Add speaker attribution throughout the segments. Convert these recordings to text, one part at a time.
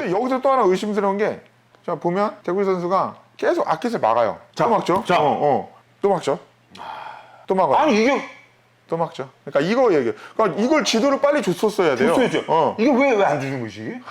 Speaker 1: 근데 여기서 또 하나 의심스러운 게, 자 보면 대구지 선수가 계속 아킷을 막아요. 또 막죠.
Speaker 2: 자.
Speaker 1: 또 막죠. 또 막아요.
Speaker 2: 아니 이게
Speaker 1: 또 막죠. 그러니까 이거 얘기. 그러니까 이걸 지도를 빨리 줬었어야 돼요.
Speaker 2: 줬어야죠. 이게 왜 안 주는 거지 이게?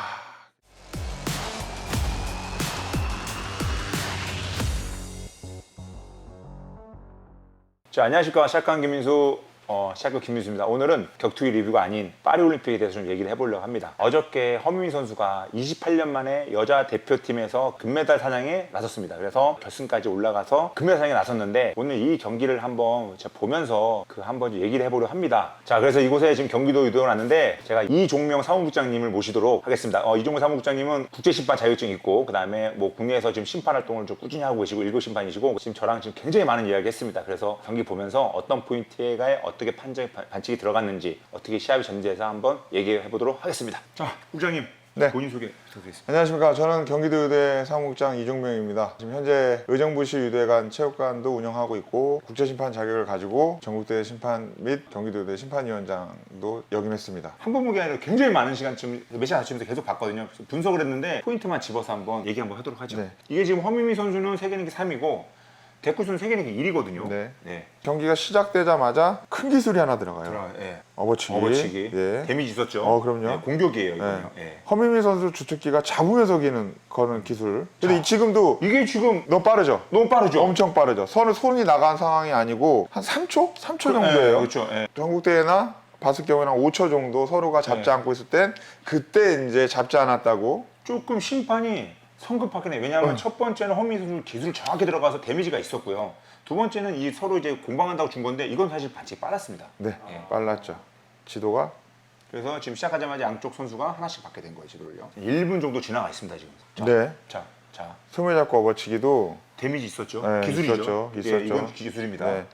Speaker 2: 자, 안녕하십니까. 샷간 김민수, 샷간 김민수입니다. 오늘은 격투기 리뷰가 아닌 파리올림픽에 대해서 좀 얘기를 해보려고 합니다. 어저께 허민미 선수가 28년 만에 여자 대표팀에서 금메달 사냥에 나섰습니다. 그래서 결승까지 올라가서 금메달 사냥에 나섰는데, 오늘 이 경기를 한번 제가 보면서 한번 얘기를 해보려고 합니다. 자, 그래서 이곳에 지금 경기도 유도에 왔는데, 제가 이종명 사무국장님을 모시도록 하겠습니다. 이종명 사무국장님은 국제심판 자격증이 있고, 그 다음에 뭐 국내에서 지금 심판 활동을 좀 꾸준히 하고 계시고, 1급 심판이시고, 지금 저랑 지금 굉장히 많은 이야기 했습니다. 그래서 경기 보면서 어떤 포인트에 어떻게 반칙이 들어갔는지, 어떻게 시합이 전개돼서 한번 얘기해 보도록 하겠습니다. 자, 국장님,
Speaker 1: 네.
Speaker 2: 본인 소개 부탁드리겠습니다.
Speaker 1: 안녕하십니까. 저는 경기도 유대 사무국장 이종명입니다. 지금 현재 의정부시 유대관 체육관도 운영하고 있고, 국제심판 자격을 가지고 전국대회 심판 및 경기도 유대 심판위원장도 역임했습니다.
Speaker 2: 한 번목이 아니라 굉장히 많은 시간쯤 몇 시간 아침부터 계속 봤거든요. 그래서 분석을 했는데 포인트만 집어서 한번 얘기 한번 하도록 하죠.
Speaker 1: 네.
Speaker 2: 이게 지금 허민미 선수는 세계랭킹 3위고 대쿠 선수는 세계랭킹 1위거든요.
Speaker 1: 네. 경기가 시작되자마자 큰 기술이 하나 들어가요.
Speaker 2: 예.
Speaker 1: 업어치기.
Speaker 2: 예. 데미지 있었죠.
Speaker 1: 그럼요.
Speaker 2: 예, 공격이에요, 이거는. 예.
Speaker 1: 허민미 선수 주특기가 잡으면서 거는 기술. 근데 지금도
Speaker 2: 이게 지금
Speaker 1: 너무 빠르죠?
Speaker 2: 너무 빠르죠.
Speaker 1: 엄청 빠르죠. 손이 나간 상황이 아니고 한 3초? 3초 정도예요.
Speaker 2: 그렇죠. 예.
Speaker 1: 전국대회나 봤을 경우에는 한 5초 정도 서로가 잡지 않고 있을 땐 그때 이제 잡지 않았다고.
Speaker 2: 조금 심판이 성급하긴 해. 왜냐하면 첫 번째는 허민미 선수 기술 정확히 들어가서 데미지가 있었고요. 두 번째는 이 서로 이제 공방한다고 준 건데, 이건 사실 반칙이 빨랐습니다.
Speaker 1: 네,
Speaker 2: 예.
Speaker 1: 빨랐죠. 지도가.
Speaker 2: 그래서 지금 시작하자마자 양쪽 선수가 하나씩 받게 된 거예요, 지도를요. 1분 정도 지나가 있습니다, 지금. 자,
Speaker 1: 네.
Speaker 2: 자.
Speaker 1: 소매 잡고 업어치기도.
Speaker 2: 데미지 있었죠.
Speaker 1: 네,
Speaker 2: 기술이죠.
Speaker 1: 있었죠.
Speaker 2: 예, 이건 기술입니다.
Speaker 1: 네.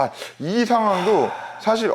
Speaker 1: 이 상황도 사실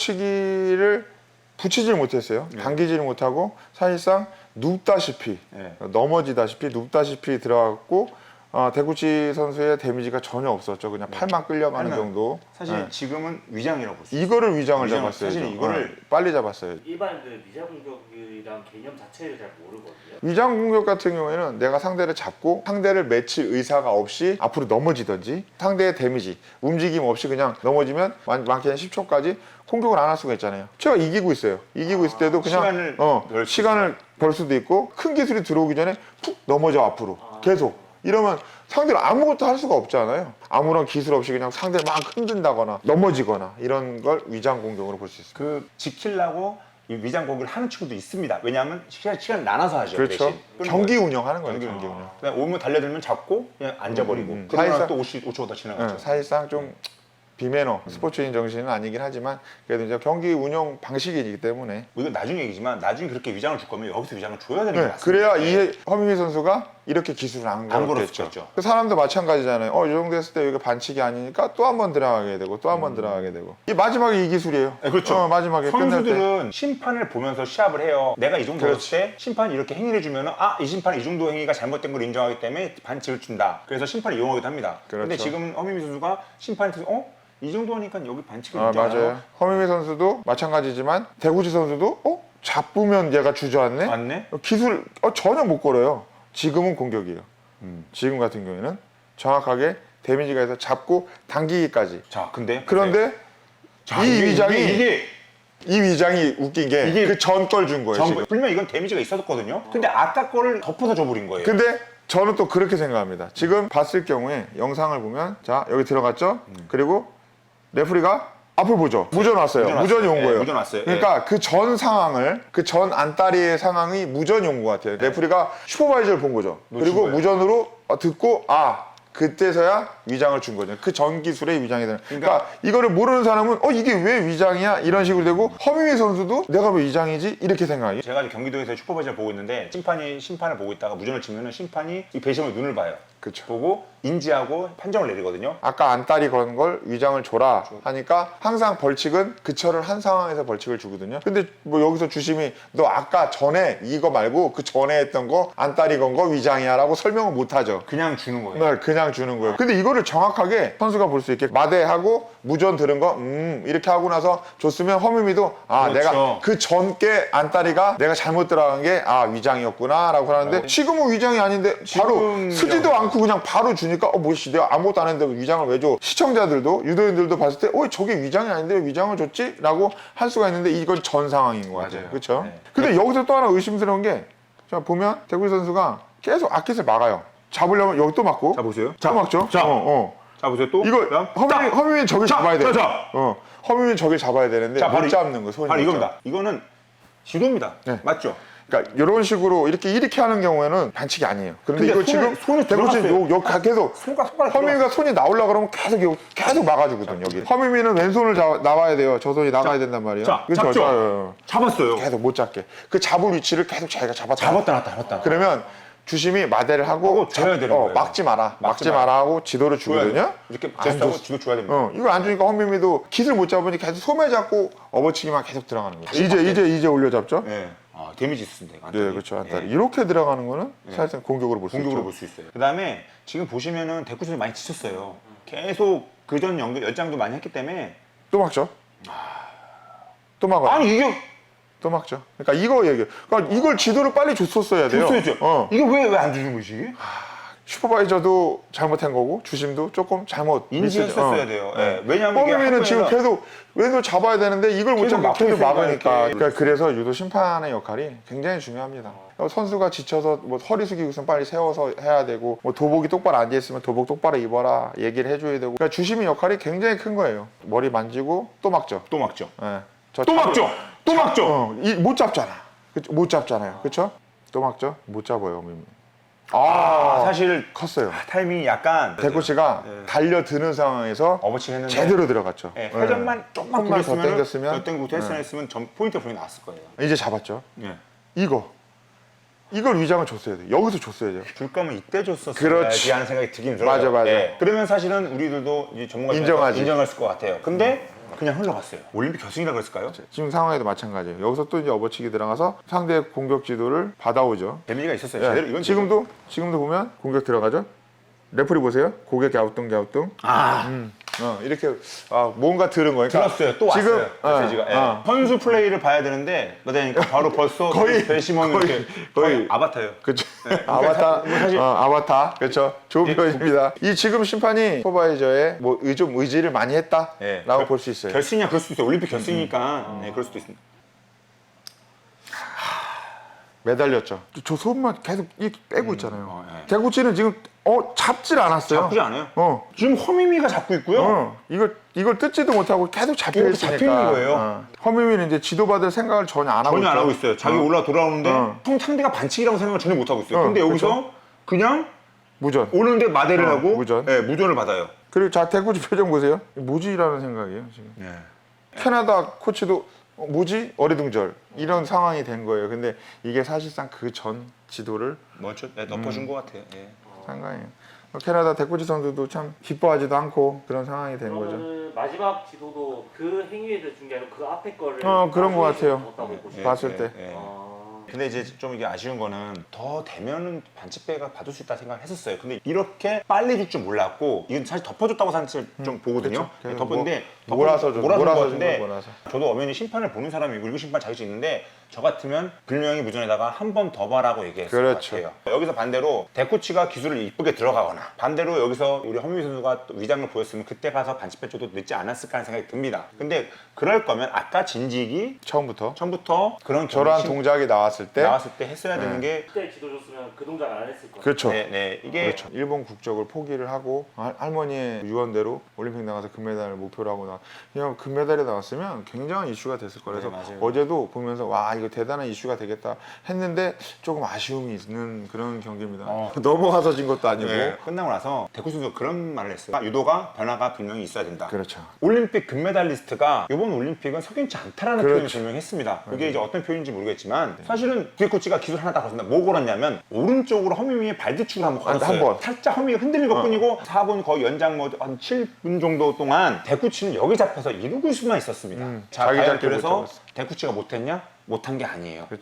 Speaker 1: 업어치기를 붙이질 못했어요. 당기지를 못하고 사실상 눕다시피,
Speaker 2: 네.
Speaker 1: 넘어지다시피 눕다시피 들어갔고, 대구치 선수의 데미지가 전혀 없었죠. 그냥 팔만 끌려가는
Speaker 2: 팔만.
Speaker 1: 정도.
Speaker 2: 사실
Speaker 1: 네.
Speaker 2: 지금은 위장이라고 볼 수 있어요.
Speaker 1: 이거를 위장을
Speaker 2: 위장,
Speaker 1: 잡았어요.
Speaker 2: 사실 이거를
Speaker 1: 빨리 잡았어요.
Speaker 3: 일반인들 미자 공격이란 개념 자체를 잘 모르거든요.
Speaker 1: 위장 공격 같은 경우에는 내가 상대를 잡고 상대를 맺힐 의사가 없이 앞으로 넘어지든지, 상대의 데미지, 움직임 없이 그냥 넘어지면 많게는 10초까지 공격을 안 할 수가 있잖아요. 제가 이기고 있어요. 이기고 있을 때도 그냥 시간을 벌 수도 있고, 큰 기술이 들어오기 전에 푹 넘어져 앞으로 계속. 이러면 상대를 아무것도 할 수가 없잖아요. 아무런 기술 없이 그냥 상대를 막 흔든다거나 넘어지거나, 이런 걸 위장 공격으로 볼 수 있습니다.
Speaker 2: 지키려고 이 위장 공격을 하는 친구도 있습니다. 왜냐하면 시간을 나눠서 하죠.
Speaker 1: 그렇죠.
Speaker 2: 대신.
Speaker 1: 경기 운영하는 거예요.
Speaker 2: 경기
Speaker 1: 경기 운영.
Speaker 2: 그냥 오면 달려들면 잡고 그냥 앉아버리고.
Speaker 1: 사실상-
Speaker 2: 그러면 또 5초 더 지나갔죠.
Speaker 1: 사실상 좀 비매너, 스포츠인 정신은 아니긴 하지만, 그래도 이제 경기 운영 방식이기 때문에.
Speaker 2: 뭐 이건 나중에 얘기지만, 나중에 그렇게 위장을 줄 거면 여기서 위장을 줘야 되는 게 맞습니다.
Speaker 1: 그래야
Speaker 2: 네.
Speaker 1: 허민미 선수가 이렇게 기술을 안
Speaker 2: 안
Speaker 1: 걸었겠죠.
Speaker 2: 걸었겠죠.
Speaker 1: 그 사람도 마찬가지잖아요. 이 정도 했을 때 여기가 반칙이 아니니까 또 한 번 들어가게 되고, 또 한 번 들어가게 되고. 이 마지막에 이 기술이에요.
Speaker 2: 네, 그렇죠.
Speaker 1: 마지막에 끝날 때.
Speaker 2: 선수들은 심판을 보면서 시합을 해요. 내가 이 정도 했을 때 심판이 이렇게 행위를 해주면, 이 심판이 이 정도 행위가 잘못된 걸 인정하기 때문에 반칙을 준다. 그래서 심판을 이용하기도 합니다.
Speaker 1: 그렇죠.
Speaker 2: 근데 지금 허민미 선수가 심판한테 이 정도 하니까 여기 반칙을
Speaker 1: 맞아요.
Speaker 2: 인정하나요?
Speaker 1: 허민미 선수도 마찬가지지만, 대구지 선수도 잡으면 얘가 주저앉네?
Speaker 2: 맞네?
Speaker 1: 기술 전혀 못 걸어요. 지금은 공격이에요. 지금 같은 경우에는 정확하게 데미지가 해서 잡고 당기기까지.
Speaker 2: 자,
Speaker 1: 그런데
Speaker 2: 자,
Speaker 1: 이 위장이
Speaker 2: 이게
Speaker 1: 이 위장이 웃긴 게
Speaker 2: 이게
Speaker 1: 그 전 걸 준 거예요. 지금.
Speaker 2: 분명 이건 데미지가 있었거든요. 근데 아까 거를 덮어서 줘버린 거예요.
Speaker 1: 근데 저는 또 그렇게 생각합니다. 지금 봤을 경우에 영상을 보면, 자 여기 들어갔죠. 그리고 레프리가 앞을 보죠. 무전 왔어요. 무전이 온 거예요.
Speaker 2: 무전 왔어요.
Speaker 1: 그러니까 그 전 상황을, 그 전 안다리의 상황이 무전이 온 것 같아요. 레프리가 슈퍼바이저를 본 거죠. 그리고
Speaker 2: 거예요.
Speaker 1: 무전으로 듣고 그때서야 위장을 준 거죠. 그 전 기술의 위장이 되는. 그러니까 이거를 모르는 사람은 이게 왜 위장이야? 이런 식으로 되고, 허민미 선수도 내가 왜 위장이지? 이렇게 생각해요.
Speaker 2: 제가 이제 경기도에서 슈퍼바이저를 보고 있는데, 심판을 보고 있다가 무전을 치면은 심판이 이 배심의 눈을 봐요.
Speaker 1: 그쵸.
Speaker 2: 보고 인지하고 판정을 내리거든요.
Speaker 1: 아까 안다리 건 걸 위장을 줘라 하니까 항상 벌칙은 그철을 한 상황에서 벌칙을 주거든요. 근데 뭐 여기서 주심이 너 아까 전에 이거 말고 그 전에 했던 거 안다리 건 거 위장이야 라고 설명을 못 하죠.
Speaker 2: 그냥 주는 거예요.
Speaker 1: 네, 그냥 그냥 주는 거예요. 근데 이거를 정확하게 선수가 볼 수 있게 마대하고 무전 들은 거 이렇게 하고 나서 줬으면 허미미도 아
Speaker 2: 그렇죠.
Speaker 1: 내가 그 전께 안다리가 내가 잘못 들어간 게 위장이었구나 라고 하는데 지금은 위장이 아닌데 바로
Speaker 2: 지금
Speaker 1: 쓰지도
Speaker 2: 위장.
Speaker 1: 않고 그냥 바로 주니까 뭐지 내가 아무것도 안 했는데 위장을 왜 줘? 시청자들도 유도인들도 봤을 때 저게 위장이 아닌데 왜 위장을 줬지? 라고 할 수가 있는데 이건 전 상황인 것 같아요.
Speaker 2: 맞아요.
Speaker 1: 그렇죠?
Speaker 2: 네.
Speaker 1: 근데 여기서 또 하나 의심스러운 게 자 보면 대구 선수가 계속 아킷을 막아요. 잡으려면 여기 또 막고
Speaker 2: 자 보세요.
Speaker 1: 또 막죠.
Speaker 2: 자.
Speaker 1: 자
Speaker 2: 보세요. 또
Speaker 1: 이거
Speaker 2: 그다음.
Speaker 1: 허민이 저기 잡아야 돼.
Speaker 2: 자.
Speaker 1: 허민이 저기 잡아야 되는데
Speaker 2: 자,
Speaker 1: 못 잡는 거 손이
Speaker 2: 바로
Speaker 1: 못
Speaker 2: 이겁니다. 이거는 지도입니다.
Speaker 1: 네.
Speaker 2: 맞죠?
Speaker 1: 그러니까 이런 식으로 이렇게 하는 경우에는 반칙이 아니에요. 그런데
Speaker 2: 근데
Speaker 1: 이거 지금
Speaker 2: 손에
Speaker 1: 대구씨
Speaker 2: 들어갔어요.
Speaker 1: 계속
Speaker 2: 손가락
Speaker 1: 허민이가 손이 나오려 그러면 계속 막아주거든 여기. 허민이는 왼손을 나와야 돼요. 저 손이 나가야 된단 말이에요.
Speaker 2: 자,
Speaker 1: 그렇죠?
Speaker 2: 잡죠? 잡았어요.
Speaker 1: 계속 못 잡게. 그 잡을 위치를 계속 자기가 잡았다.
Speaker 2: 놨다.
Speaker 1: 그러면 주심이 마대를 하고
Speaker 2: 줘야 되는 거예요.
Speaker 1: 막지 마라 하고 지도를 주거든요.
Speaker 2: 이렇게
Speaker 1: 안
Speaker 2: 제스하고
Speaker 1: 줬어.
Speaker 2: 지도 줘야 됩니다.
Speaker 1: 이걸 안 주니까 헌민미도 깃을 못 잡으니 계속 소매 잡고 업어치기만 계속 들어가는 거예요. 이제 올려 잡죠.
Speaker 2: 네. 데미지 있습니다. 이거
Speaker 1: 네,
Speaker 2: 안타리.
Speaker 1: 그렇죠. 안타리. 이렇게 들어가는 거는 사실상 공격으로 볼 수 있죠.
Speaker 2: 공격으로 볼 수 있어요. 그다음에 지금 보시면은 대구 선수 많이 지쳤어요. 계속 그전 연장도 많이 했기 때문에
Speaker 1: 또 막죠. 또 막아요.
Speaker 2: 아니 이게
Speaker 1: 또 막죠. 그러니까 이거 얘기해요. 그러니까 이걸 지도를 빨리 줬었어야 돼요.
Speaker 2: 줬어야죠. 이게 왜 안 주는 거지 이게?
Speaker 1: 슈퍼바이저도 잘못한 거고 주심도 조금 잘못
Speaker 2: 인지했었어야 돼요. 예. 왜냐하면 이게
Speaker 1: 뻥이는 지금
Speaker 2: 한국에서-
Speaker 1: 계속 왼손 잡아야 되는데 이걸 못
Speaker 2: 계속
Speaker 1: 잡고
Speaker 2: 막고
Speaker 1: 계속
Speaker 2: 있으니까
Speaker 1: 막으니까.
Speaker 2: 이렇게.
Speaker 1: 그러니까 그래서 유도 심판의 역할이 굉장히 중요합니다. 선수가 지쳐서 뭐 허리 숙이고 있으면 빨리 세워서 해야 되고 뭐 도복이 똑바로 앉아 있으면 도복 똑바로 입어라 얘기를 해줘야 되고. 그러니까 주심의 역할이 굉장히 큰 거예요. 머리 만지고 또 막죠.
Speaker 2: 또 막죠.
Speaker 1: 예.
Speaker 2: 또 막죠. 또 막죠.
Speaker 1: 못 잡잖아. 그쵸? 못 잡잖아요. 그렇죠? 또 막죠. 못 잡아요.
Speaker 2: 사실
Speaker 1: 컸어요.
Speaker 2: 타이밍이 약간
Speaker 1: 대구 씨가 달려드는 상황에서
Speaker 2: 어버칭 했는데
Speaker 1: 제대로 들어갔죠.
Speaker 2: 예, 회전만 조금만
Speaker 1: 조금만 더
Speaker 2: 더
Speaker 1: 당겼으면
Speaker 2: 더 땡기고 했으면 점 포인트 분이 나왔을 거예요.
Speaker 1: 이제 잡았죠.
Speaker 2: 예.
Speaker 1: 이걸 위장을 줬어야 돼. 여기서 줬어야 돼요.
Speaker 2: 줄 거면 이때 줬었어야지
Speaker 1: 그렇지.
Speaker 2: 하는 생각이 들긴 들어요.
Speaker 1: 맞아.
Speaker 2: 그러면 사실은 우리들도 이제 전문가
Speaker 1: 인정하지.
Speaker 2: 인정했을 것 같아요. 근데 그냥 흘러갔어요. 올림픽 결승이라 그랬을까요?
Speaker 1: 지금 상황에도 마찬가지예요. 여기서 또 이제 업어치기 들어가서 상대 공격 지도를 받아오죠.
Speaker 2: 데미지가 있었어요.
Speaker 1: 예.
Speaker 2: 제대로 이건
Speaker 1: 지금도 보면 공격 들어가죠. 레프리 보세요. 고개 갸우뚱. 이렇게 뭔가 들은 거니까.
Speaker 2: 들었어요. 또
Speaker 1: 지금,
Speaker 2: 왔어요. 메시지가. 선수 플레이를 봐야 되는데 그러니까 바로 벌써
Speaker 1: 거의-
Speaker 2: 배심원 이렇게 거의 아바타예요.
Speaker 1: 그렇죠.
Speaker 2: 그러니까 사실-
Speaker 1: 아바타. 그렇죠. 좋은 표현입니다. 이 지금 심판이 슈퍼바이저의 좀 의지를 많이 했다라고 볼 수 있어요.
Speaker 2: 결승이야 그럴 수도 있어요. 올림픽 결승이니까 그럴 수도 있습니다.
Speaker 1: 매달렸죠. 저 손만 계속 이렇게 빼고 있잖아요.
Speaker 2: 예.
Speaker 1: 대구치는 지금 잡질 않았어요.
Speaker 2: 잡지 않아요.
Speaker 1: 어.
Speaker 2: 지금 허미미가 잡고 있고요.
Speaker 1: 이걸 뜯지도 못하고 계속 잡혀
Speaker 2: 이렇게
Speaker 1: 있으니까.
Speaker 2: 잡히는 거예요.
Speaker 1: 허민이는 이제 지도받을 생각을 전혀 안 하고
Speaker 2: 전혀 안
Speaker 1: 있죠.
Speaker 2: 하고 있어요. 자기 올라 돌아오는데 상대가 반칙이라고 생각을 전혀 못 하고 있어요. 근데 여기서 그냥
Speaker 1: 무전.
Speaker 2: 오는데 마대를 하고
Speaker 1: 무전.
Speaker 2: 무전을 받아요.
Speaker 1: 그리고 대구치 표정 보세요. 뭐지라는 생각이에요 지금. 캐나다 코치도 뭐지? 어리둥절 이런 상황이 된 거예요. 근데 이게 사실상 그 전 지도를
Speaker 2: 먼저 덮어준 것 같아요.
Speaker 1: 상관이에요. 캐나다 대구치 선수도 참 기뻐하지도 않고 그런 상황이 된 거죠.
Speaker 3: 그러면은 마지막 지도도 그 행위에 준 게 아니고 그 앞에 거를
Speaker 1: 그런 것 같아요.
Speaker 3: 줬다고 보시면
Speaker 1: 봤을 때.
Speaker 2: 근데 이제 좀 이게 아쉬운 거는 더 되면은 반칙배가 받을 수 있다 생각을 했었어요. 근데 이렇게 빨리 줄 줄 몰랐고 이건 사실 덮어줬다고 사실 좀 보거든요.
Speaker 1: 그렇죠.
Speaker 2: 덮었는데
Speaker 1: 몰아서
Speaker 2: 몰아준 것
Speaker 1: 준
Speaker 2: 같은데
Speaker 1: 거 몰아서.
Speaker 2: 저도 엄연히 심판을 보는 사람이고 일부 심판 자격이 있는데 저 같으면 분명히 무전에다가 한 번 더 봐라고 얘기했을
Speaker 1: 그렇죠.
Speaker 2: 것 같아요. 여기서 반대로 대코치가 기술을 이쁘게 들어가거나 반대로 여기서 우리 허민희 선수가 또 위장을 보였으면 그때 가서 반칙배 줘도 늦지 않았을까 하는 생각이 듭니다. 근데 그럴 거면 아까 진직이
Speaker 1: 처음부터
Speaker 2: 그런
Speaker 1: 저러한 동작이 나왔을 때
Speaker 2: 했어야 되는 게
Speaker 3: 그때 지도 줬으면 그 동작 안 했을 거예요.
Speaker 1: 그렇죠.
Speaker 2: 이게
Speaker 1: 그렇죠. 일본 국적을 포기를 하고 할머니의 유언대로 올림픽 나가서 금메달을 목표로 하고 그냥 금메달이 나왔으면 굉장한 이슈가 됐을 거라서
Speaker 2: 맞아요.
Speaker 1: 어제도 보면서 와 이거 대단한 이슈가 되겠다 했는데 조금 아쉬움이 있는 그런 경기입니다. 넘어가서 진 것도 아니고
Speaker 2: 끝나고 나서 대구 선수가 그런 말을 했어요. 유도가 변화가 분명히 있어야 된다.
Speaker 1: 그렇죠.
Speaker 2: 올림픽 금메달리스트가 이번 올림픽은 석연치 않다라는
Speaker 1: 그렇죠.
Speaker 2: 표현을 분명했습니다. 그게 이제 어떤 표현인지 모르겠지만 사실은 뒤에 코치가 기술 하나 다 걸었는데 뭐 걸었냐면 오른쪽으로 허미미의 발뒤축을 한번 걸었어요.
Speaker 1: 한 번.
Speaker 2: 살짝 허미가 흔들린 것뿐이고 4분 거의 연장 뭐 한 7분 정도 동안 대코치는 여기 잡혀서 이러고 수만 있었습니다. 자,
Speaker 1: 자기
Speaker 2: 과연
Speaker 1: 잡기 못
Speaker 2: 그래서
Speaker 1: 잡았어.
Speaker 2: 대코치가 못했냐? 못한 게 아니에요.
Speaker 1: 그렇죠.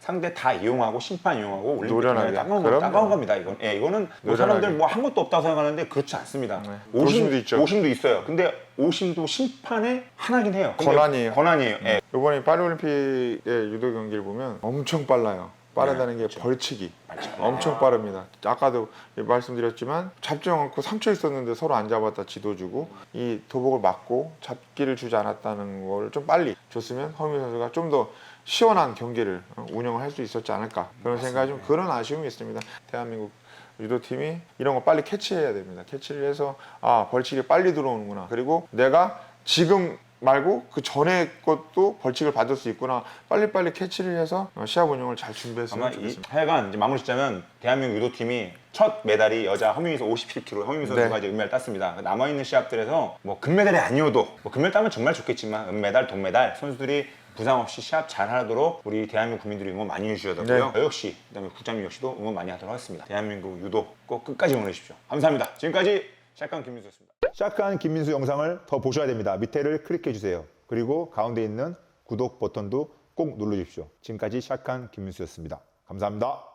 Speaker 2: 상대 다 이용하고 심판 이용하고 올림픽
Speaker 1: 노련하게.
Speaker 2: 따가운
Speaker 1: 그럼요.
Speaker 2: 겁니다. 이건 이거는 뭐
Speaker 1: 노련하게.
Speaker 2: 사람들 뭐 한 것도 없다고 생각하는데 그렇지 않습니다.
Speaker 1: 네. 오심도 있죠.
Speaker 2: 오심도 있어요. 근데 오심도 심판의 하나긴 해요. 근데
Speaker 1: 권한이에요.
Speaker 2: 권한이에요. 예.
Speaker 1: 이번에 파리올림픽의 유도 경기를 보면 엄청 빨라요. 빠르다는 게 벌칙이 엄청 빠릅니다. 아까도 말씀드렸지만 잡지 않고 3초 있었는데 서로 안 잡았다 지도 주고 이 도복을 맞고 잡기를 주지 않았다는 걸 좀 빨리 줬으면 허민 선수가 좀 더 시원한 경기를 운영을 할 수 있었지 않을까 그런 생각이 좀 그런 아쉬움이 있습니다. 대한민국 유도팀이 이런 거 빨리 캐치해야 됩니다. 캐치를 해서 아 벌칙이 빨리 들어오는구나. 그리고 내가 지금 말고 그 전에 것도 벌칙을 받을 수 있구나. 빨리빨리 캐치를 해서 시합 운영을 잘 준비했으면
Speaker 2: 아마 이
Speaker 1: 좋겠습니다.
Speaker 2: 하여간 이제 마무리 짓자면 대한민국 유도팀이 첫 메달이 여자 허민에서 57kg 허민 선수가
Speaker 1: 네.
Speaker 2: 이제 은메달 땄습니다. 남아있는 시합들에서 뭐 금메달이 아니어도 뭐 금메달 따면 정말 좋겠지만 은메달, 동메달 선수들이 부상 없이 시합 잘 하도록 우리 대한민국 국민들이 응원 많이 해주셔야 되고요.
Speaker 1: 네.
Speaker 2: 저 역시 그다음에 국장님 역시도 응원 많이 하도록 하겠습니다. 대한민국 유도 꼭 끝까지 응원해 주십시오. 감사합니다. 지금까지 샷건 김민수였습니다. 샷건 김민수 영상을 더 보셔야 됩니다. 밑에를 클릭해 주세요. 그리고 가운데 있는 구독 버튼도 꼭 눌러주십시오. 지금까지 샷건 김민수였습니다. 감사합니다.